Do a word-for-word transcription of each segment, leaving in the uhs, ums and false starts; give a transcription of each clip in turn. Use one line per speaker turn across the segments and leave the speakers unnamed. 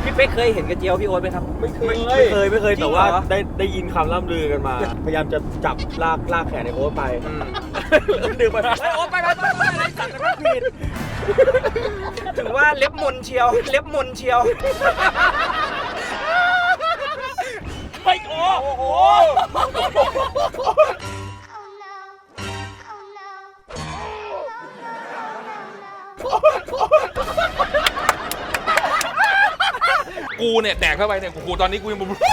พี่เป๊กเคยเห็นกระเจียวพี่โอ๊ตไหมครับไม่เคยไม่เคยไม่เคยแต่ว่าได้ได้ยินคำล่ำลือกันมาพยายามจะจับลากลากแขนในโอ๊ตไปดึงไปไอ้โอ๊ตไปไปไปไปอะไรสั่งกันผิดถือว่าเล็บมนเชียวเล็บมนเชียวไปโอ้โห
กูเนี่ยแดกเข้าไปเนี่ยกูตอนนี้กูยังบุบ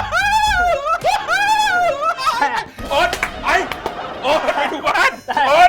โอ๊ตไปโอ๊ตไปถูกบ้านโอ๊ต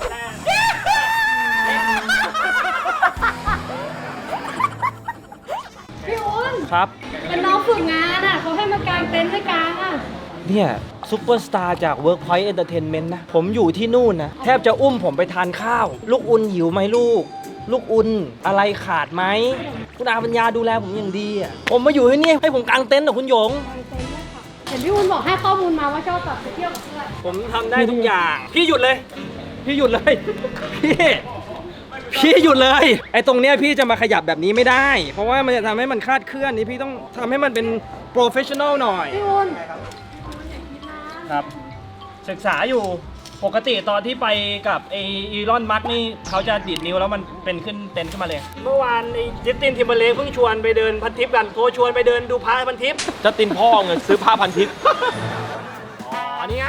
พี่อุ้น
ครับ
เป็นน้องฝึกงานอ่ะเขาให้มากางเต็นท์ให้กางอ่ะ
เนี่ยซุปเปอร์สตาร์จาก Workpoint Entertainment นะผมอยู่ที่นู่นนะแทบจะอุ้มผมไปทานข้าว ลูกอุ่นหิวไหมลูก ลูกอุ่นอะไรขาดไหมคุณอาปัญญาดูแลผมอย่างดีอ่ะผมมาอยู่ที่นี่ให้ผมกางเต็นท์เหรอคุณหยง
เห็นพี่อุ้นบอกให้ข้อมูลมาว่าชอบแบบไปเที่ยวกับเพื่อน
ผมทำได้ทุกอย่าง พี่หยุดเลย พี่หยุดเลย พี่ พี่หยุดเลย ไอ้ตรงเนี้ยพี่จะมาขยับแบบนี้ไม่ได้ เพราะว่ามันจะทำให้มันคลาดเคลื่อนนี่พี่ต้องทำให้มันเป็นโปรเฟชชั่นอลหน่อย
พี่อุ้น
ครับ ศึกษาอยู่ปกติตอนที่ไปกับไออีลอนมัสนี่เขาจะดีดนิ้วแล้วมันเป็นขึ้นเต็นขึ้นมาเลย เมื่อวานไอจัสตินทิมเบอร์เลกเพิ่งชวนไปเดินพันทิปกันโทรชวนไปเดินดูพระพันทิปจัสตินพ่อเงินซื้อผ้าพันทิปอ๋อนี่ไง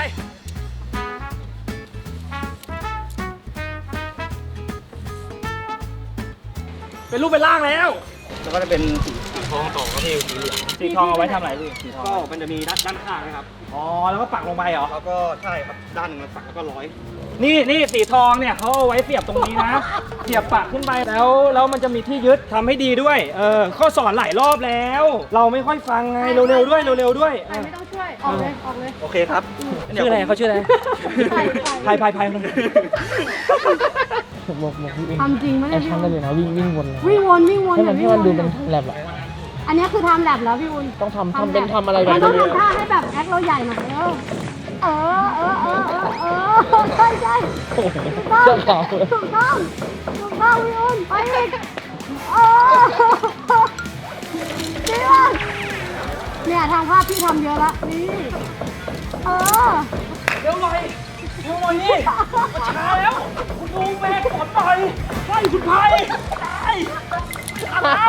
เป็นรูปเป็นร่างแล้วแล้วก็จะเป็นสีทองต่อก็ที่สีเหลืองสีทองเอาไว้ทำอะไรพี่สีทองก็มันจะมีด้านด้านข้างนะครับอ๋อแล้วก็ปักลงไปเหรอแล้วก็ใช่ครับด้านนึงมันปักแล้วก็ร้อยนี่นี่สีทองเนี่ยเขาเอาไว้เสียบตรงนี้นะ เสียบปักขึ้นไปแล้วแล้วมันจะมีที่ยึดทำให้ดีด้วยเออข้อสอนหลายรอบแล้ว เราไม่ค่อยฟังไงเร็วๆด้วยเร็วๆด้วย
ใครไม่ต้องช่วยออกเลยออกเลย
โอเคครับชื่ออะไรเขาชื่ออะไร
ใคร
พายพายพายมัน
บอกบอกพี่เอง
ทำจริงไหม
ไอ้
เนี่ยพี่
ช่างได้เลยนะวิ่งวิ่งวนเลย
วิ่งวนวิ่งวน
ให้มัน
วิ่
ให้
งว
มัน
น
ดูเป็นแลบอะ
อันนี้คือทำแลบแล้วพี่อุ้น
ต้องทำทำเป็นทำอะไรแบ
มั
บ
นต้อง
นี้
ทำท่าให้แบบแอคเราใหญ่หน่อยเออเออเออเออเออเออใช่ใช่ถูกต้อง
เจ้าขาว
ถูกต้องถูกต้องพี่อุ้นไปอีกเออจริงป่ะเนี่ยทางภาพพี่ทำเยอะละนี่เออ
เร็วหน่อยเร็วหน่อยนี่มันช้าแล้วคุณดูแม่กดหน่อยใช่คุณพายตายทันแล้ว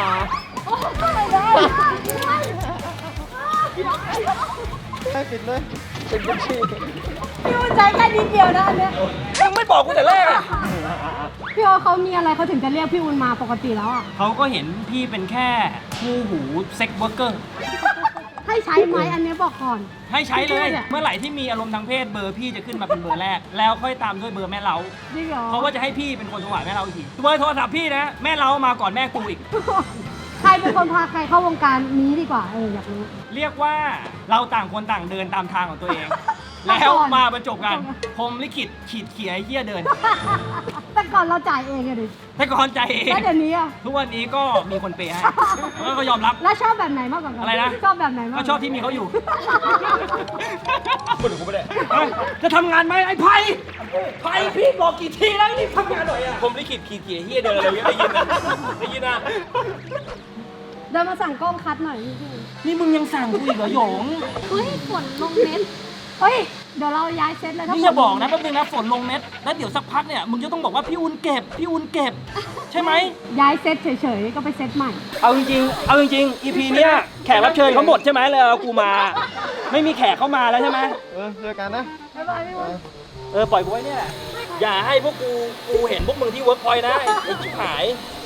ได้ปิดเลยเป็นบัญชี
พี่อุ้นใจแค่นิดเดียวนะอันเนี้ย
ยังไม่บอกกูแต่แรกอ่ะ
พี่โอเขามีอะไรเขาถึงจะเรียกพี่อุ้นมาปกติแล้วอ่ะ
เขาก็เห็นพี่เป็นแค่คู่หูเซ็กเวิร์กเกอร์
ให้ใช้ไหมอันเนี้ยบอกก่อน
ให้ใช้เลย เมื่อไหร่ที่มีอารมณ์ทางเพศเบอร์พี่จะขึ้นมาเป็นเบอร์แรก แล้วค่อยตามด้วยเบอร์แม่เล้า
จริงเหรอ
เพราะว่าจะให้พี่เป็นคนโทรหาแม่เล้าอีกทีเบอร์โทรศัพท์พี่นะแม่เล้ามาก่อนแม่กูอีก
ใครเป็นคนพาใครเข้าวงการนี้ดีกว่าเอออยากรู้
เรียกว่าเราต่างคนต่างเดินตามทางของตัวเอง แล้วมาบรรจบกันพรหมลิขิตขีดเขียไอ้เหี้ยเดิน
แต่ก่อนเราจ่ายเองอะดิ
แต่ก่อนใจเอง
แล้วเดี๋ยวนี้อะ
ทุกวันนี้ก็มีคนเปย์ให้แล้วก็ยอมรับ
แล้วชอบแบบไหนมากกว่ากัน
อะไรนะ
ชอบแบบไหนมาก
ก็ชอบที่มีเขาอยู่คนกูไม่ได้จะทำงานไหมไอ้ไผ่ไผ่พี่บอกกี่ทีแล้วนี่ทำงานหน่อยอ่ะผมลิขิตขีดเขียเฮียเดินอะไรได้ยินนะได้ยินนะ
เดินมาสั่งกล้องคัดหน่อยพี่
นี่มึงยังสั่งกูอีกเหรอหยง
เฮ้ยฝนลงเม็ดเฮ้ยเดี๋ยวเราย้ายเซตเลยถ้า
นี่อย่าบอกนะแป๊บนึงนะฝนลงเม็ดแล้วเดี๋ยวสักพักเนี่ยมึงจะต้องบอกว่าพี่อุ่นเก็บพี่อุ่นเก็บใช่ไหม
ย้ายเซตเฉยๆก็ไปเซตใหม่
เอาจริงๆเอาจริงๆ อี พี เนี้ยแขกรับเชิญเขาหมดใช่ไหมเลยเอากูมา ไม่มีแขกเข้ามาแล้วใช่ไหม
เออเจอกันนะ
บ๊ายบายพี่อุ้น
เออปล่อยกูไว้เนี่ยแหละอย่าให้พวกกูกูเห็นพวกมึงที่เวิร์กพอยต์นะไอ้ไอ้ชิบหาย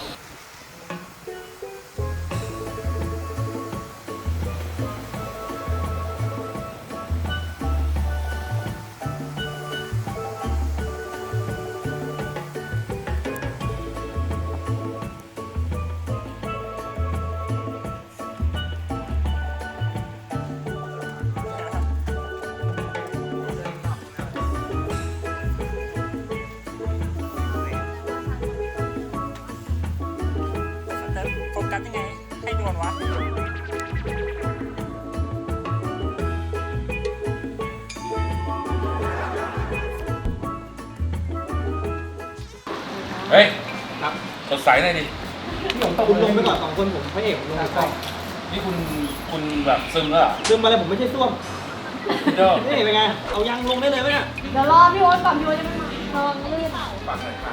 โฟกัสยังไงให้นวลวะ
เฮ้ยสดใสหน่อยดิ
พี่ผมตกคุณลงไปก่อนสองคนผมพระเอกผมลงไปก่อน
นี่คุณคุณแบบซึมแล้วเหรอ
ซึมมาเลยผมไม่ใช่ส้วม
เด้อ
นี่เป็นไงเอายางลงได้เลยไหมเนี่ย
เดี๋ยวรอพี่โอ๊ตก่อนพี่โอ๊ตจะไม่มาลองลื่น
ปากใส่ปาก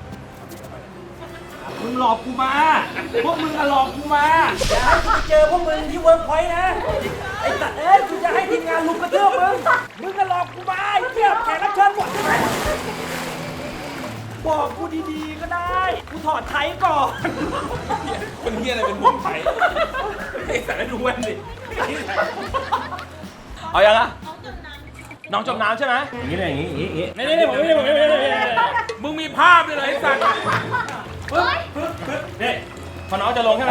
มึงหลอกกูมาพวกมึงอะหลอกกูมาอย่าให้กูเจอพวกมึงที่เวิร์กพอยต์นะไอ้สัตว์เอ้ยกูจะให้ทีมงานลุมกระเทือบมึงมึงอะหลอกกูมาไอ้เหี้ยแขกรับเชิญหมดใช่ไหมบอกกูดีๆก็ได้กูถอดไทยก่อน
คนเฮียอะไรเป็นห่วงไทยไอ้สัตว์ให้ดูแว่นดิ
เอายังอะน้องจมน้ำใช่ไหมอย่างนี้เลยอย่างนี้อย่างนี้นี่นี่ผมไม่ได้ผมไม่ได้
มึงมีภาพด้วยเหรอไอ้สัตว์
ปึ๊บปึ๊บปึ๊บนี่พอน้องจะลงใช่ไหม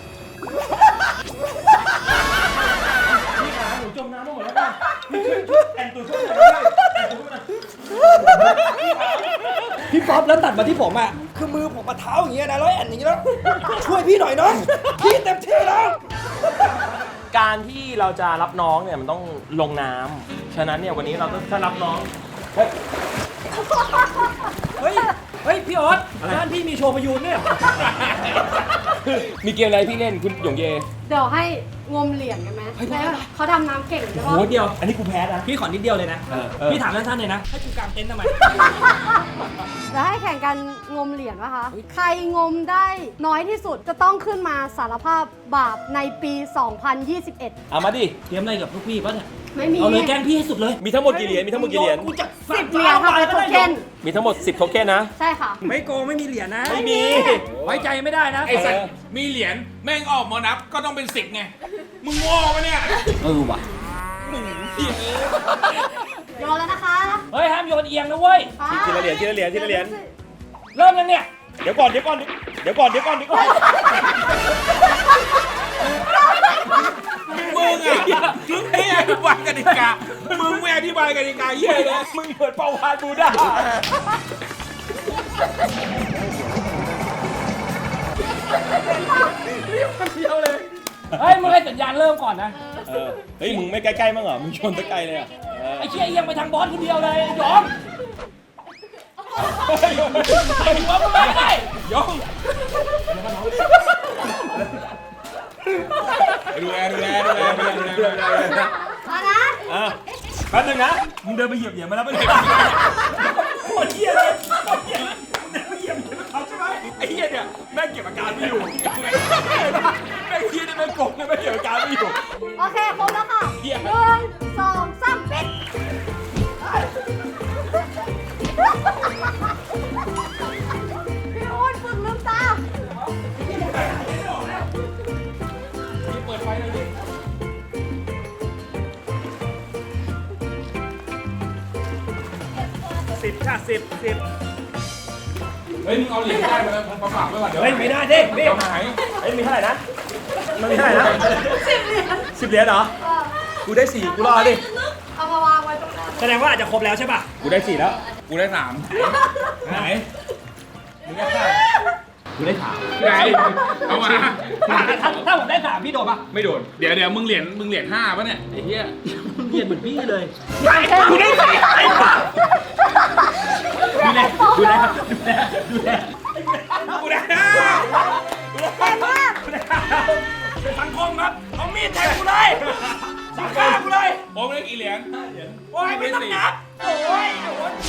พี่ขาหนูจมน้ำมาหมดแล้วป่ะพี่ช่วยช่วยแอนตูช่วยหน่อยด้วยแอนตูช่วยหน่อยพี่ป๊อปแล้วตัดมาที่ผมอ่ะคือมือผมมาเท้าอย่างเงี้ยนะแล้วแอนอย่างเงี้ยแล้วช่วยพี่หน่อยน้องพี่เต็มที่แล้ว
การที่เราจะรับน้องเนี่ยมันต้องลงน้ำฉะนั้นเนี่ยวันนี้เราต้องถ้ารับน้อง
เฮ้ย เฮ้ย เฮ้ย พี่ออสร้านพี่มีโชว์พยูนเนี่ย
มีเกมอะไรพี่เล่นคุณหยงเย
เดี๋ยวให้งมเหรียญกันไหมแล้วเขาทำน้ำเก่งใช่
โห
ปะ
เดียว อันนี้กูแพ้นะ พี่ขอนิดเดียวเลยนะ
เออเออ
พี่ถามสั้นๆเลยนะ ให้กูกางเต็นท์ทำไม
เดี๋ยวให้แข่งกันงมเหรียญวะคะ ใครงมได้น้อยที่สุดจะต้องขึ้นมาสารภาพบาปในปี สองพันยี่สิบเอ็ด
เอามาดิ
เตรียมอะไรกับพวกพี่ปะเนี่ย
ไม่มี
เอาเลยแกล้งพี่ให้สุดเลย
มีทั้งหมดกี่เหรียญมีทั้งหมดกี่เหรียญ
กูจะ
สิบเหรียญค่ะเป็นโทเค็น
มีทั้งหมดสิบโทเค็นนะ
ใช่ค่ะ
ไม่โกงไม่มีเหรียญนะ
ไม่มี
ไว้ใจไม่ได้นะ
ไอ้สัตว์มีเหรียญแม่งออกมานับก็ต้องเป็นสิบไงมึงโง่ปะเนี่ย
เออว่ะ
โยนแล้วนะคะ
เฮ้ยห้ามโยนเอียงนะเว้ย
ทีละเหรียญทีละเหรียญทีละเหรียญ
เริ่มยังเนี่ย
เดี๋ยวก่อนเดี๋ยวก่อนเดี๋ยวก่อนเดี๋ยวก่อนเดี๋ยวก่อน
มึงอ่ะมึงไม่อธิบายกติกามึงไม่อธิบายกติกาเหี้ยเลย
มึงเหมือนเปาวานบูด้า
เฮ้ย มึงให้สัญญาณเริ่มก่อนนะ
เออเฮ้ยมึงไม่ใกล้ๆมั้างเหรอมึงชนตะไกลเลยอ่ะเออ
ไอ้เชี่ยเอียงไปทางบอสคนเดียวเลยยอมไอ้หัวมึงไม่ได้
ยงดูแลดูแลดูแลดูแลดูแลดูแล
เอานะ
อ่ะแป๊บนึงนะ
มึงเดินไปเหยียบเหยียบมาแล้วไม่ได้
โคตรเหี้ยเลยโคตรเหี้ยเลยมึงเดินไปเหยียบเหยียบเขาใช่ไหม
ไอ้เหี้ยเนี่ยแม่งเก็บอาการไม่อยู่แม่งเหี้ยเนี่ยแม่งโกงเนี่ยแม่งเก็บอาการไม่อยู่
โอเคครบแล้วค่ะ
เหี้ย
หนึ่งสองสามปิดพี่โอ๊ตฝึกลืมตา
เปิดไฟเลยดิ
สิบค่ะสิบสิบ
เฮ้ยมึงเอาเหรียญได้มาแล้วมาฝากไว้ก่อนเดี๋ยว
เฮ้ยไม่ได้ดิ
เดี๋ยวหาย
เฮ้ยมีเท่าไหร่นะมันมีเท่าไหร่นะสิบเหรียญสิบเหรียญเหรอกูได้สี่กูรอดิ
เอามาวางไว้ตรงนั้น
แสดงว่าอาจจะครบแล้วใช่ป่ะ
กูได้สี่แล้ว
กูได้สามไหนมึงได้สาม
กูได้สาม
ไหนเอามา
ถ้าถ้าผมได้สามพี่โดนป่ะ
ไม่โดนเดี๋ยวเดี๋ยวมึงเหรียญมึงเหรียญห้าป่ะเนี่ยไอ้เหี้ย
เรียนเหมือนพี่เลย
กูได้ใส่
ดูแลดูแลดูแลดูแล
กูได้ห้า
เก่งมาก
เป็นสังคมครับเอามีดแทงกูเลยสังฆ่ากูเลย
โอ้ไม่ได้กี่เหรียญ
โอ้ยไม่ต้องนับโอ้ยโอ้ย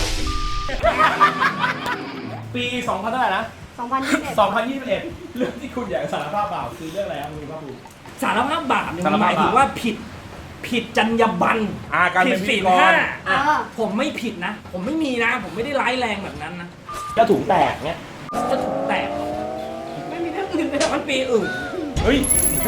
ปีสองพันเท่าไหร่นะ
สองพันยี่สิบเอ็ด
สองพันยี่สิบเอ็ดเรื่องที่คุณอยากสารภาพบาปคือเรื่องอะไรครับคุณภาคภูมิ
สารภาพบาปเนี่ย
สาร
ห
ภาพบาป
มายถึงว่าผิดผิดจรรยาบรรณ
อ่าการ
ผิ
เป็
ด
นพิ
ศี
ธี
ล
กร
ห้า
เออ
ผมไม่ผิดนะ ผมไม่มีนะ ผมไม่ได้ร้ายแรงแบบนั้นนะ
ก็ถุงแตกเนี้ย
จะถูกแตกไม่มีเรื่องอื่นเลยมันปีอื่น
เฮ้ย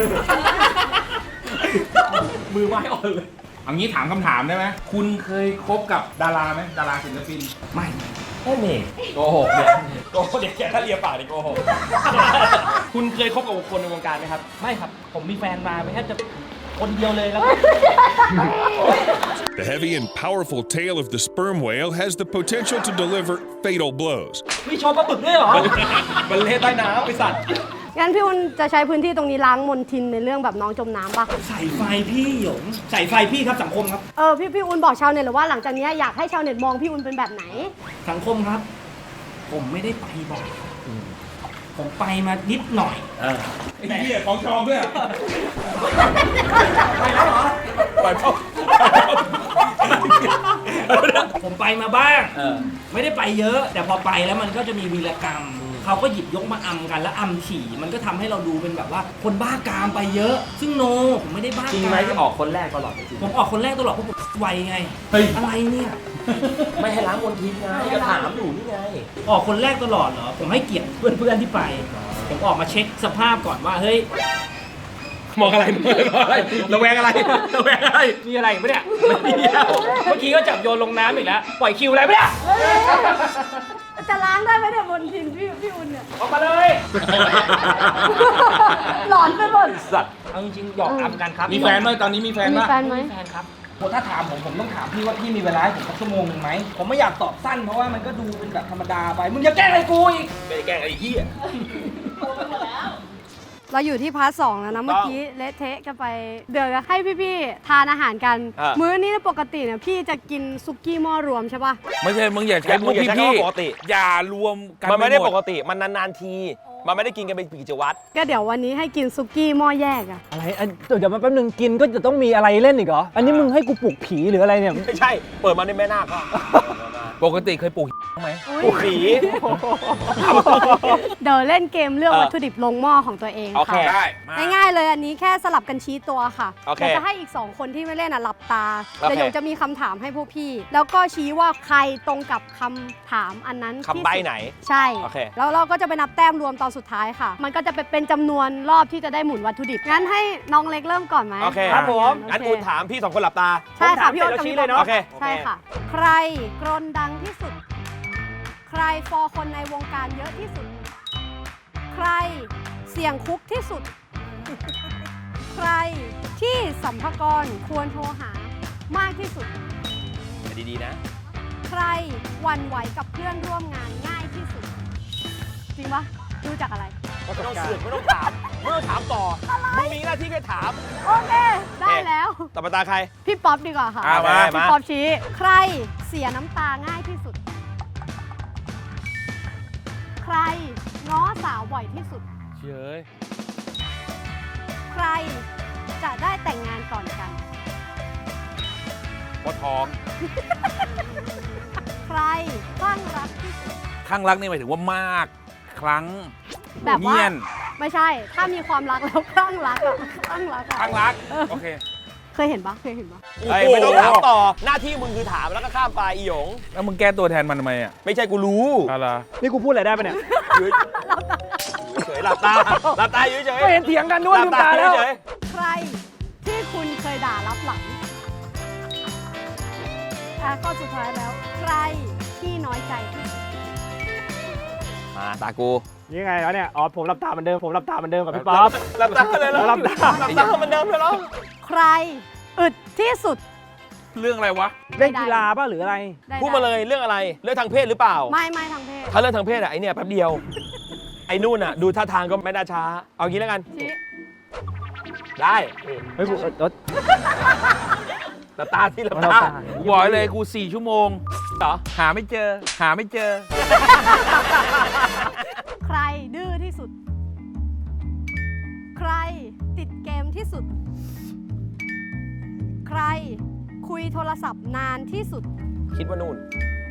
มือไม้อ่อนเลย
เอางี้ถามคำถามได้ไหมคุณเคยคบกับดาราไหมดาราศิลปิน
ไม่
แค่นี้โกหกเนี่ยโกหกเด็กแกถ้าเลียปากนี่โกหก คุณเคยคบกับคนในวงการไหมครับ
ไม่ครับ ผมมีแฟนมาไม่แค่จะคนเดียวเลยแล้ว
The heavy and powerful tail of the sperm whale has the potential to deliver fatal blows.
มีโชว์ปลาบึกด้วยเหรอ
มันเละใต้น้ำไอสัตว์
งั้นพี่อุ่นจะใช้พื้นที่ตรงนี้ล้างมลทินในเรื่องแบบน้องจมน้ำปะ
ใส่ไฟพี่หยงใส่ไฟพี่ครับสังคมครับ
เออพี่พี่อุ่นบอกชาวเน็ตเลยว่าหลังจากนี้อยากให้ชาวเน็ตมองพี่อุ่นเป็นแบบไหน
สังคมครับ ผมไม่ได้ไปบ่อย
ผมไปมานิดหน่อย
ไอ้เหี้ยของชองด้วย
ไปแล้วเหรอ
ปล่อยพ่อ
ผมไปมาบ้าง ไม่ได้ไปเยอะ แต่พอไปแล้วมันก็จะมีวีรกรรม เขาก็หยิบยกมาอำกันแล้วอำฉี่ มันก็ทำให้เราดูเป็นแบบว่าคนบ้ากามไปเยอะ ซึ่งโน ผมไม่ได้บ้ากาม
จริงไหมที่ออกคนแรกตลอดจริง
ผมออกคนแรกตลอดเพราะผมไวไง
เฮ้ย
อะไรเนี่ย
ไม่ให้ล้างมลทินไงก็ถามอยู่นี่ไง
ออกคนแรกตลอดเหรอ ผมให้เกียรติเพื่อนๆที่ไป ผมออกมาเช็คสภาพก่อนว่า เฮ้ย
มองอะไรมองอะไรระแวงอะไรระแวงอะไร
มีอะไรปะเนี่ยไม่มีแล้วเมื่อกี้ก็จับโยนลงน้ำอีกแล้ว ปล่อยคิวอะไรปะเนี่ย
จะล้างได้ไหมเนี่ยบนทินพี่พี่อุ่นเนี่ย
ออกมาเลย
หลอนไปหมด
สัตว์
เอาจริงๆหยอกอำกันครับ
มีแฟนไหมตอนนี้มีแฟน
มี
ป่ะ
แฟนไหม
แฟนครับโหถ้าถามผมผมต้องถามพี่ว่าพี่มีเวลาให้ผมสักชั่วโมงหนึ่งไหม ผมไม่อยากตอบสั้นเพราะว่ามันก็ดูเป็นแบบธรรมดาไป มึงจะแกล้งอะไรกูอีก
ไม่ได้แกล้งไอ้เหี้ย
เราอยู่ที่พาร์ทสองแล้วนะ เมื่อกี้เละเทะกันไป เดี๋ยวจะให้พี่ๆทานอาหารกัน มื้อนี้ปกติเนี่ยพี่จะกินซุกี้หม้อรวมใช่ปะ
ไม่ใช่ มึงอย่าใช้พวกพี่พี่อย่ารวมกัน
มันไม่ได้
ห
ปกติมันนานๆที มันไม่ได้กินกันเป็นกิจวัตร
ก็เดี๋ยววันนี้ให้กินซุกี้หม้อแยกอะ
อะไรอันเดี๋ยวมาแป๊บนึงกินก็จะต้องมีอะไรเล่นอีกเหรอ อันนี้มึงให้กูปลุกผีหรืออะไรเนี่ย
ไม่ใช่ เปิดมาในแม่นาคก็
ปกติเคยปลูกไหม
อุ๊ย
ปลุกผี
เดี๋ยวเล่นเกมเลือก
เออ
วัตถุดิบลงหม้อของตัวเอง
โอเค
ค่ะ
ได้มา
ง่ายๆเลยอันนี้แค่สลับกันชี้ตัวค่ะ
โอเค
เดี๋ยวจะให้อีก สอง คนที่ไม่เล่นอ่ะหลับตา
โอเค
เดี๋ยวจะมีคำถามให้พวกพี่ แล้วก็ชี้ว่าใครตรงกับคำถามอันนั้นที่
คำใบ้
สุด
ไหน
ใช่
โอเค
แล้วเราก็จะไปนับแต้มรวมตอนสุดท้ายค่ะ มันก็จะเป็นจำนวนรอบที่จะได้หมุนวัตถุดิบ งั้นให้น้องเล็กเริ่มก่อนไหม
โอเค
ครับผม
งั้นคุณถามพี่สองคนหลับตา
ใช่ค่ะ
ผมถาม
พี่โอ๊ต
สร็จ
กับ
แล้ว
พี่
ชี้เลยเนาะ
ป๊
โอ
อป
เค
ใช่ค่ะ ใครกรนดังที่สุด ใครฟอคนในวงการเยอะที่สุด ใครเสี่ยงคุกที่สุด ใครที่สัมภากรควรโทรหามากที่สุด
ดีๆนะ
ใครหวั่นไหวกับเพื่อนร่วมงานง่ายที่สุด จริงปะดูจากอะไร
ไม่ต้องเสือกไม่ต้องถามไม่ต้องถามต่อมึงมีหน้าที่แค่ถาม
โอเค ได้แล้ว
ต่อไปตาใคร
พี่ป๊อปดีกว่าค่ะ
อ่ะมา
พี่
มา
ป๊อปชี้ ใครเสียน้ำตาง่ายที่สุด ใครง้อสาวบ่อยที่สุด
เฉย
ใครจะได้แต่งงานก่อนกัน
พอทอง
ใครคลั่งรักที่สุด
ข้างรักนี่หมายถึงว่ามาก ครั้ง
แบบว่า
เงียน
ไม่ใช่ ถ้ามีความรักแล้วคลั่งรักอะคลั่งรักอะ
ข้างรัก โอเค
เคยเห็นปะเคยเห็นปะ
เฮ้ยไม่ต้องถามต่อ หน้าที่มึงคือถามแล้วก็ข้ามไปอีหยง
แล้วมึงแก้ตัวแทนมันทำไมอ่ะ
ไม่ใช่กูรู้
อะไร
นี่กูพูดอะไรได้ปะเนี่ย
เฉยหลับตา หลับตาอยู่เฉย
ก็เห็นเถียงกันด้วย
หลั
ลืม
บตา
ตา
อ
แล้
ยู่
ว
เฉย
ใครที่คุณเคยด่ารับหลังอ่ะข้อสุดท้ายแล้ว ใครที่น้อยใจที่สุด
มาตากู
ยังไงแล้วเนี่ย อ๋อ ผมรับตาเหมือนเดิม ผมรับตาเหมือนเดิมกับพี่ป๊อป
หลับตาเลยแล้ว
หลับตา
หลับตาเหมือนเดิมเลยเหรอ
ใครอึดที่สุด
เรื่องอะไรวะ
เล่นกีฬาป่ะหรืออะไร
ได้
พูดมาเลยเรื่องอะไร เรื่องทางเพศหรือเปล่า
ไม่ไม่ทางเพศ
ถ้าเรื่องทางเพศอะไอเนี่ยแป๊บเดียว ไอ้นู่นอะดูท่าทางก็ไม่น่าช้า เอางี้แล้วกัน
ชี้
ได้
เฮ้ยกูเออเออ
หลับตาที่หลับ
หลับ
ตา
ตา
บอกเลยกูสี่ชั่วโมง
เหรอ
หาไม่เจอ หาไม่เจอ
ใครดื้อที่สุด ใครติดเกมที่สุด ใครคุยโทรศัพท์นานที่สุด
คิดว่านู่น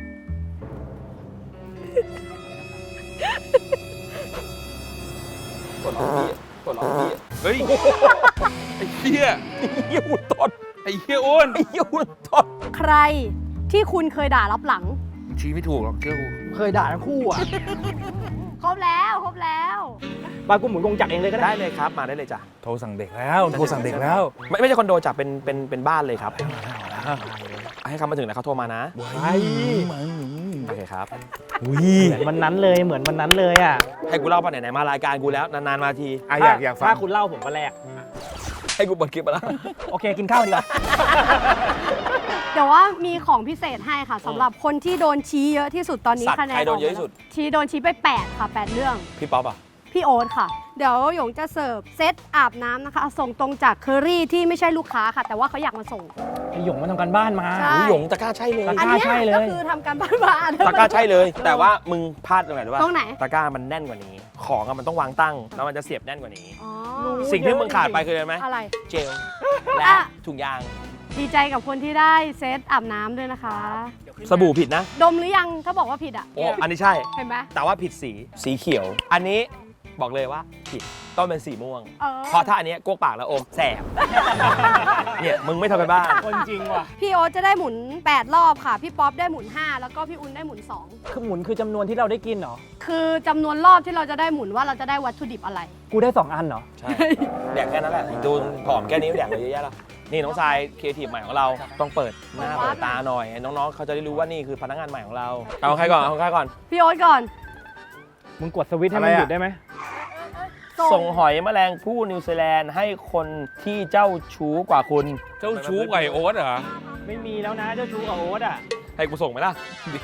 กดล็อกพี่กดล็อกพี่
เฮ้ย ไอ้เหี้ย
เหี้ยหุ่นตด
ไอ้เหี้ยอ้วน
ไอ้เหี้ยหุ่นตด
ใครที่คุณเคยด่ารับหลัง
ชี้ไม่ถูกหรอกเชื่อกู
เคยด่าทั้งคู่อ่ะ
ครบแล้วครบแล้ว
ปากูหมุนกงจักรเองเลยก็ได้
ได้เลยครับ มาได้เลยจ้ะ
โทรสั่งเด็กแล้ว โทรสั่งเด็กแล้ว
ไม่ไม่ใช่คอนโดจ้ะเป็นเป็นเป็นบ้านเลยครับ ให้เขามาถึงแล้วเขาโทรมานะ
ไอ้
โอเคครับ
เหมือนวันนั้นเลย เหมือนวันนั้นเลยอ่ะ
ให้กูเล่าป่ะไหนๆมารายการกูแล้ว นานๆมาที
อ่ะอยากอยากฟัง
ถ้าคุณเล่าผมก็แลก
ให้กูเปิดคลิปมาแล้ว
โอเค กินข้าวดีกว่า
เดี๋ยวว่ามีของพิเศษให้ค่ะสำหรับคนที่โดนชี้เยอะที่สุดตอนนี้
สัตว์
คะแนน
ใครโดนเยอะที่สุด
ชี้โดนชี้ไปแปดค่ะแปดเรื่อง
พี่ป๊อปอ่ะ
พี่โอ๊ตค่ะ เดี๋ยวหยงจะเสิร์ฟเซตอาบน้ำนะคะ ส่งตรงจากเคอรี่ที่ไม่ใช่ลูกค้าค่ะ แต่ว่าเขาอยากมาส่ง
ไอหยงมาทำการบ้านมา
ใช่
หูหยงตะกร้าใช่เลย
ตะ
อัน
กร้า
เนี้ย
ใช่เลย
ก็คือทำการบ้านมา
ตะกร้าใช่เลย แต่ว่ามึงพลาดตรงไหนรู้ป่ะ
ตรงไหน
ตะกร้ามันแน่นกว่านี้ ขของอะมันต้องวางตั้งแล้วมันจะเสียบแน่นกว่านี้
อ๋อ
สิ่งที่มึงขาดไปคืออะไรไหม
อะไร
เจลและ
อ่ะ
ถุงยาง
ดีใจกับคนที่ได้เซตอาบน้ำด้วยนะคะ
สบู่ผิดนะ
ดมหรือยังถ้าบอกว่าผิดอ่ะ
โอ้อันนี้ใช่
เห็นไหม
แต่ว่าผิดสีสีเขียว อันนี้บอกเลยว่าผิดต้องเป็นสีม่วง
เออ
เพราะถ้าอันเนี้ยกวกปากแล้วอมแสบ เนี่ยมึงไม่ทำไปบ้าน
คนจริงว่ะ
พี่โอ๊ตจะได้หมุนแปดรอบค่ะ พี่ป๊อปได้หมุนห้าแล้วก็พี่อุ่นได้หมุนสอง
คือหมุนคือจำนวนที่เราได้กินเหรอ
คือจำนวนรอบที่เราจะได้หมุนว่าเราจะได้วัตถุดิบอะไร
กูได้สองอันเหรอ
ใช่ แดกแค่นั้นแหละ ดูผอมแค่นี้แดกไปเยอะแยะแล้ว นี่น้องทรายครีเอทีฟใหม่ของเราต้องเปิดหน้าเปิดตาหน่อย น้องๆเขาจะได้รู้ว่านี่คือพนักงานใหม่ของเรา เอาใครก่อนเอาใครก่อน
พี่โอ๊ตก่อน
มึงกดสวิตช์ให้มันหยุดได้ไหม
ส่งหอยแมลงผู้นิวซีแลนด์ให้คนที่เจ้าชู้กว่าคุณ
เจ้าชู้ไก่โอ๊ตเหรอ
ไม่มีแล้วนะเจ้าชู้กับโอ๊ตอ่ะ
ให้กูส่งไหมล่ะ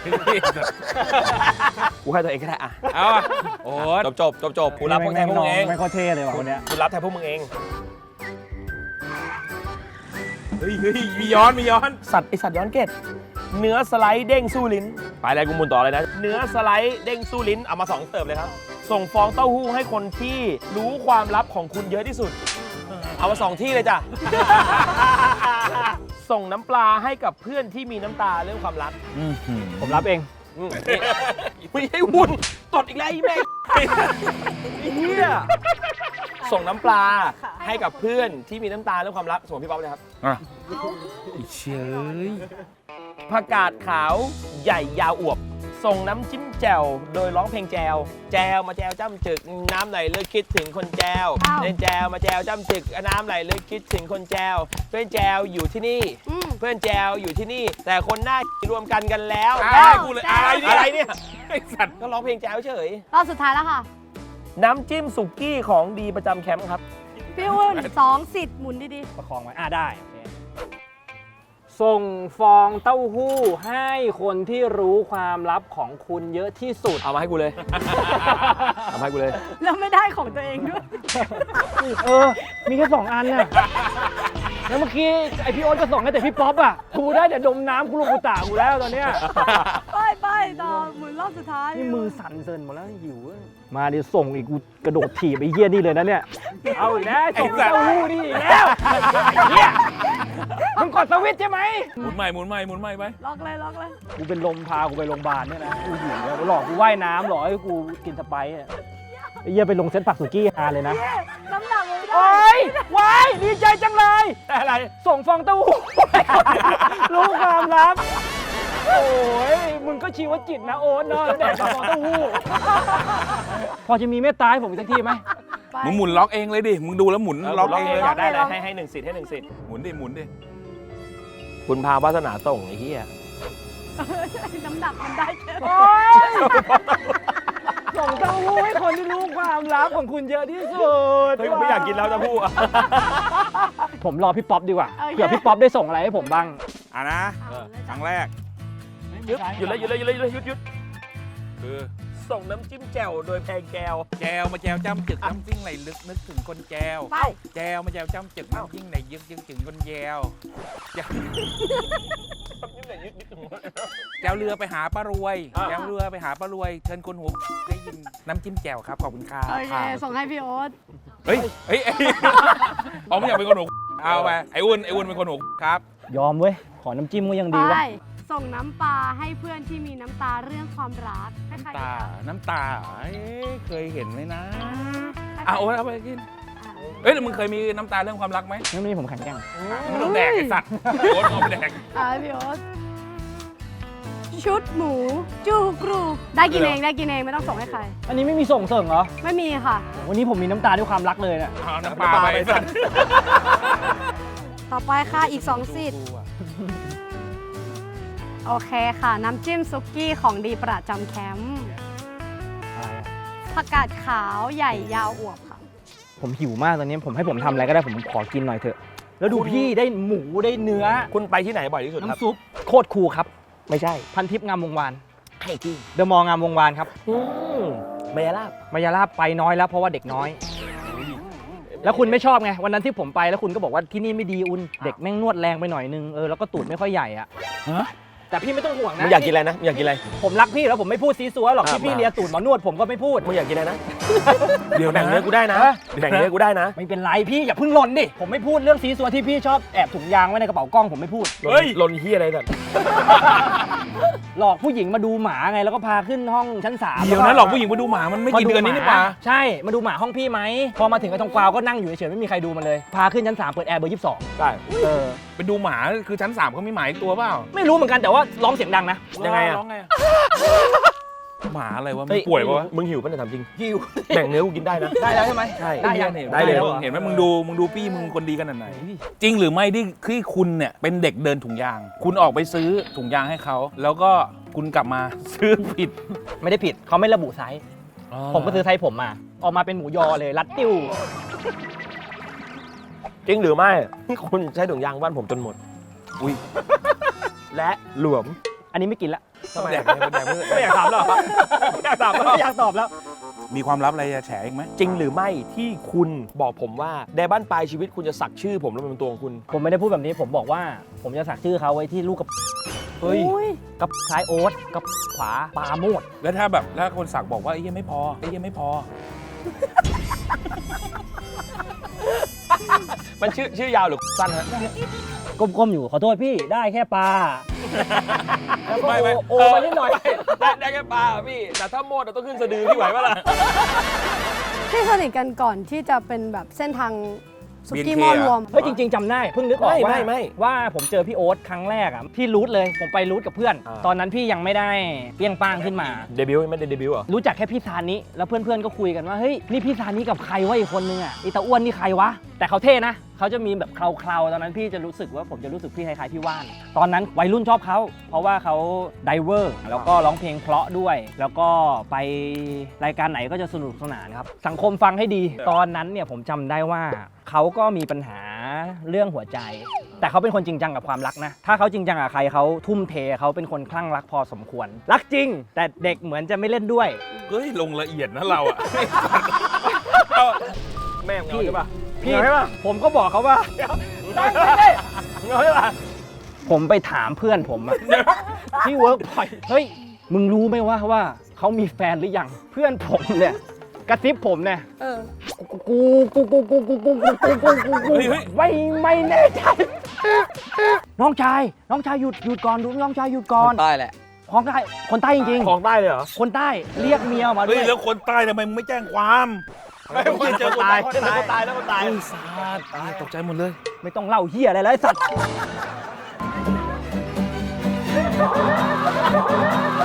กูให้ตัวเองก็ได้อะ
เอาอะโอ๊ต
จบจบจบจบกูรับพวกแทนพวกมึงเอง
ไม่ค่อยเท่เลยว่ะคนเนี้ย
กูรับแทนพวกมึงเอง
เฮ้ยเฮ้ยมีย้อนมีย้อน
สัตว์ไอสัตว์ย้อนเกตเนื้อสไลด์เด้งสู้ลิ้น ไปเลยกูหมุนต่อเลยนะ เนื้อสไลด์เด้งสู้ลิ้น เอามาสองเติบเลยครับ ส่งฟองเต้าหู้ให้คนที่รู้ความลับของคุณเยอะที่สุด เอามาสองที่เลยจ้ะ ส่งน้ำปลาให้กับเพื่อนที่มีน้ำตาเรื่องความรัก
ผมรับเอง
อืมนี่ไม่ให้วุ่นตดอีกแล้วไอ้แม่งไอ้เหี้ยส่งน้ำปลาให้กับเพื่อนที่มีน้ำตาเรื่องความรักส่งพี่ป๊อปเลยครับ
อ่ะเชย
ผักกาดขาวใหญ่ยาวอวบ ส่งน้ำจิ้มแจ่วโดยร้องเพลงแจวแจวมาแจวจ้ำจึกน้ำไหลเลือกคิดถึงคนแจว
อ้าว
เล่นแจวมาแจวจ้ำจึกน้ำไหลเลือกคิดถึงคนแจวเพื่อนแจวอยู่ที่นี่
อืม
เพื่อนแจวอยู่ที่นี่ แต่คนหน้ารวมกันกันแล้ว
อ้าวกูเลยอะไรเนี่ย
อะไรเนี่ย
ไอ้สัตว์
ก็ร้องเพลงแจวเฉย
รอบสุดท้ายแล้วค่ะ
น้ำจิ้มสุกี้ของดีประจำแคมป์ครับ
พี่อุ่นสองสิทธิ์หมุนดี
ประคองไว้ อ่ะได้โอเคส่งฟองเต้าหู้ให้คนที่รู้ความลับของคุณเยอะที่สุด
เอามาให้กูเลย เอามาให้กูเลย
ๆ แล้วไม่ได้ของตัวเองด้วย
เออ มีแค่สองอันน่ะ แล้วเมื่อกี้ไอพี่โอ๊ตก็ส่งให้แต่พี่ป๊อปอ่ะ กูได้แต่ดมน้ำกูลูกกูตากูแล้วตอนเนี้ย
ไปไปต่อหมุนรอบสุดท้าย
นี่มือสั่นเซินหมดแล้วหิวอะมาดิส่งอีกกูกระโดดถีบไอ้เหี้ยนี่เลยนะเนี่ย เอาอีกแล้วส่งเต้าหู้นี่อีกแล้วเหี้ยมึงกดสวิตช์ใช่ไหม
หมุนใหม่หมุนใหม่หมุนใหม่ไป
ล็อกเลยล็อกเลย
กูเป็นลมพากูไปโรงพยาบาลเนี่ยนะ กูหิวแล้วหลอกกูว่ายน้ำหลอกให้กูกินสไปซ์อะไอ้เหี้ยไปลงเซ็ตผักสุกี้ฮาเลยนะ
น้ำหนักไม่ได้
โอ้ยว้ายดีใจจังเลย อะไร ส่งฟองเต้าหู้รู้ความลับ โอ้ย มึงก็ชีวจิตนะโอ๊ตเนาะแล้วแดกกับฟองเต้าหู้ พอจะมีเมตตาให้ผมอีกสักทีไหม
ไป
มึงหมุนล็อกเองเลยดิ มึงดูแล้วหมุนล็อกเองเลย
อยากได้เลยให้ให้หนึ่งสิทธิ์ให้หนึ่งสิทธิ์
หมุนดิหมุนดิ
คุณพาวาสนาส่งไอ้เหี้ย
น้ำหนักมันได้แค่
โอ๊ย ส่งเต้าหู้ให้คนที่รู้ความลับของคุณเยอะที่สุด
เฮ้ยผมไม่อยากกินแล้วจะพูด
ผมรอพี่ป๊อปดีกว่า เผื่อพี่ป๊อปได้ส่งอะไรให้ผมบ้าง
อ่ะนะ ครั้งแรก
หยุดหยุดเลยหยุดเลยหยุดเลยหยุดเลยหยุดหยุด
คือ
ส่งน้ำจิ้มแจ่วโดยแพงแก้ว
แจวมาแจวจ้ำจึกน้ำจิ้งไหลลึกนึกถึงคนแจว
ไป
แจวมาแจวจ้ำจึกน้ำจิ้งไหลยึกยึกถึงคนแจวแจวแจวเรือไปหาป้ารวยแจวเรือไปหาป้ารวย เชิญคนหัวได้ยินน้ำจิ้มแจ่วครับขอบคุณครับ
โอเค ส่งให้พี่โอ๊ต
เฮ้ยเฮ้ยเอ้ยเอาไม่อยากเป็นคนหัวเอาไปไอ้อ้วนไอ้อ้วนเป็นคนหัวครับ
ยอมเว้ย ขอน้ำจิ้มก็ยังดี
ไป
วะ
ส่งน้ำปลาให้เพื่อนที่มีน้ำตาเรื่องความรักให้ใคร
ตา น้ำตาเอ้ยเคยเห็นไหมนะ
ให้ใคร
อ่ะโอ๊ตเอาไปกิน
อ่ะ
เอ้ยแล้วมึงเคยมีน้ำตาเรื่องความรักไหม
ไม่มีผมแข็งแกร่ง
ไม่ต้องแดกไอ้สัตว์โอ๊ตเอาไปแดก
อ่ะพี่โอ๊ตชุดหมู จูกรูได้กินเองได้กินเองไม่ต้องส่งให้ใคร
อันนี้ไม่มีส่งเสริมเหรอ
ไม่มีค่ะ
วันนี้ผมมีน้ำตาด้วยความรักเลยเนี่ย
เอาน้ำปลาไปไอ้สัตว์
ต่อไปค่ะอีกสองสิทธิ์โอเคค่ะ น้ำจิ้มซุกี้ของดีประจำแคมป์
อะไรอะ
ผักกาดขาวใหญ่ยาวอวบค่ะ
ผมหิวมากตอนนี้ผมให้ผมทำอะไรก็ได้ผมขอกินหน่อยเถอะ แล้วดูพี่ได้หมูได้เนื้อ
คุณไปที่ไหนบ่อยที่สุดครับ
น้ำซุปโคตรคูลครับ
ไม่ใช่
พันทิพย์งามวงวาน
ไข่ที่
เดอะมอลล์งามวงวานครับ
อืมมายาลาบ
มายาลาบไปน้อยแล้วเพราะว่าเด็กน้อย แล้วคุณไม่ชอบไงวันนั้นที่ผมไปแล้วคุณก็บอกว่าที่นี่ไม่ดีอุ่นเด็กแม่งนวดแรงไปหน่อยนึงเออแล้วก็ตูดไม่ค่อยใหญ่อะ
ฮะ
แต่พี่ไม่ต้องห่วงนะ
มึงอยากกินอะไรนะมึงอยากกินอะไร
ผมรักพี่แล้วผมไม่พูดซีซัวหรอก
ครับ
ที่พี่เลียตูดหมอนวดผมก็ไม่พูด
มึงอยากกินอะไรนะ
เดี๋ยวนะ
แบ่งเนื้อกูได้นะ
ฮะ
แบ่งเนื้อกูได้นะ
ไม่เป็นไรพี่อย่าเพิ่งหล่นดิผมไม่พูดเรื่องซีซัวที่พี่ชอบแอบถุงยางไว้ในกระเป๋ากล้องผมไม่พูด
เฮ้ยลนเฮียอะไรแบบ
หลอกผู้หญิงมาดูหมาไงแล้วก็พาขึ้นห้องชั้นสาม
เดี๋ยวนะหลอกผู้หญิงมาดูหมามันไม่กี่เดือนนี้นี่หว่า
ใช่มาดูหมาห้องพี่ไหมพอมาถึงไอ้ตรงกวาวก็นั่งอยู่เฉยๆไม่มีใครดูมันเลยพาขึ้นชั้นสามเปิดแอร์เบอร์ยี่สิบสอง
ได้
เออ
ไปดูหมาคือชั้นสามเขามีหมาอีกตัวเปล่า
ไม่รู้เหมือนกันแต่ว่าร้องเสียงดังนะ
ยังไงอะ
ร้องไงอะหมาอะไรวะมั
เฮ้
น
ย
ป่วยวะ
มึงหิวป่ะเนี่ยถามจริง
หิว
แบ่งเนื้อกูกินได้นะ
ได้แล้วใช่ไหม
ใช่
ได้ยัง
ได้เลย
แล้วหรอ
เห็นไหมมึงดูมึงดูพี่มึงคนดีขนาดไหนจริงหรือไม่ที่ที่คุณเนี่ยเป็นเด็กเดินถุงยาง คุณออกไปซื้อถุงยางให้เขาแล้วก็คุณกลับมาซื้อผิด
ไม่ได้ผิดเขาไม่ระบุไซส์ผมก็ซื้อไซส์ผมมาออกมาเป็นหมูยอเลยรัดติ้ว
จริงหรือไม่คุณใช้ถุงยางบ้านผมจนหมด
อุ้ย
และหลวม
อันนี้ไม่กินละ
ทำไม
แด
อะ
กแดกเพื่อ
ไม่อยากถามหรอไม่อยากถามหรอ
ไม่อยากตอบแล้ว
มีความลับอะไรจะแฉอีกไหม
จริงหรือไม่ที่คุณบอกผมว่าในบ้านปลายชีวิตคุณจะสักชื่อผมแล้วเป็นตัวของคุณ
ผมไม่ได้พูดแบบนี้ผมบอกว่าผมจะสักชื่อเขาไว้ที่ลูกกับ
เฮ้ย
อุ้ย
กับซ้ายโอ๊ตกับขวาปาโมด
แล้วถ้าแบบถ้าคนสักบอกว่าไอ้เหี้ยังไม่พอไอ้เหี้ยังไม่พอ
มันชื่อชื่อยาวหรือสั้นฮะ
ก้มๆอยู่ขอโทษพี่ได้แค่ปลาแล้วก็
ไม่ไม่
โอโอมานิดหน่อย
ได้ได้แค่ปลาอะพี่ แต่ถ้าโมดอะต้องขึ้นสะดือพี่ไหวปะล่ะ
ที่สนิทกันก่อนที่จะเป็นแบบเส้นทางสุกี้
บี
ห
เอ็นเค
ม้อรวม
เฮ้ยจริง ๆจำได้เพิ่งนึกออก
ไม่
ว่า
ไม่ไม่
ว่าผมเจอพี่โอ๊ตครั้งแรกอ่ะพี่รูทเลยผมไปรูทกับเพื่อน
อ่า
ตอนนั้นพี่ยังไม่ได้เปรี้ยงป้างขึ้นมา
เดบิวต์ไม่ได้เดบิวต์เหรอ
รู้จักแค่พี่ซานิแล้วเพื่อนๆก็คุยกันว่าเฮ้ยนี่พี่ซานิกับใครวะอีกคนนึงอ่ะอีตาอ้วนนี่ใครวะแต่เขาเท่นะเขาจะมีแบบเคลาๆตอนนั้นพี่จะรู้สึกว่าผมจะรู้สึกพี่คล้ายๆพี่ว่าน ตอนนั้นวัยรุ่นชอบเขาเพราะว่าเขาไดเวอร์แล้วก็ร้องเพลงเพราะด้วย แล้วก็ไปรายการไหนก็จะสนุกสนานครับสังคมฟังให้ดี ตอนนั้นเนี่ยผมจำได้ว่าเขาก็มีปัญหาเรื่องหัวใจ แต่เขาเป็นคนจริงจังกับความรักนะถ้าเขาจริงจังกับใครเขาทุ่มเทเขาเป็นคนคลั่งรักพอสมควร รักจริง แต่เด็กเหมือนจะไม่เล่นด้วย
เฮ้ยลงละเอียดนะเราอะ
แม่งเอาใช่ปะ
พี่
เอาใช่ปะ
ผมก็บอกเขาว่า
ได้ได้ได้เอาใช่ปะ
ผมไปถามเพื่อนผมอะที่เวิร์กพอยเฮ้ย มึงรู้ไหมว่าว่าเขามีแฟนหรือยัง เพื่อนผมเนี่ย กระซิบผมเนี่ย
เออ
กูกูกูกูกูกูกูกูกูกูกูไม่ไม่แน่ใจ น้องชาย น้องชายหยุดหยุดก่อนดูน้องชายหยุดก่อน
ใต้แหละ
ของใต้คนใต้จริง
ของได้เลยเหรอ
ๆ คนใต้เรียกเมียมาด้
เฮ้
วย ย
แล้วคนใต้ทำไมมึงไม่แจ้งความ
ไม่ผมเจอคนตายเจอคนตายแล้วคนตาย
ไอ้สัตว์ตายตกใจหมดเลย
ไม่ต้องเล่าเฮียอะไรแล้วไอ้สัตว์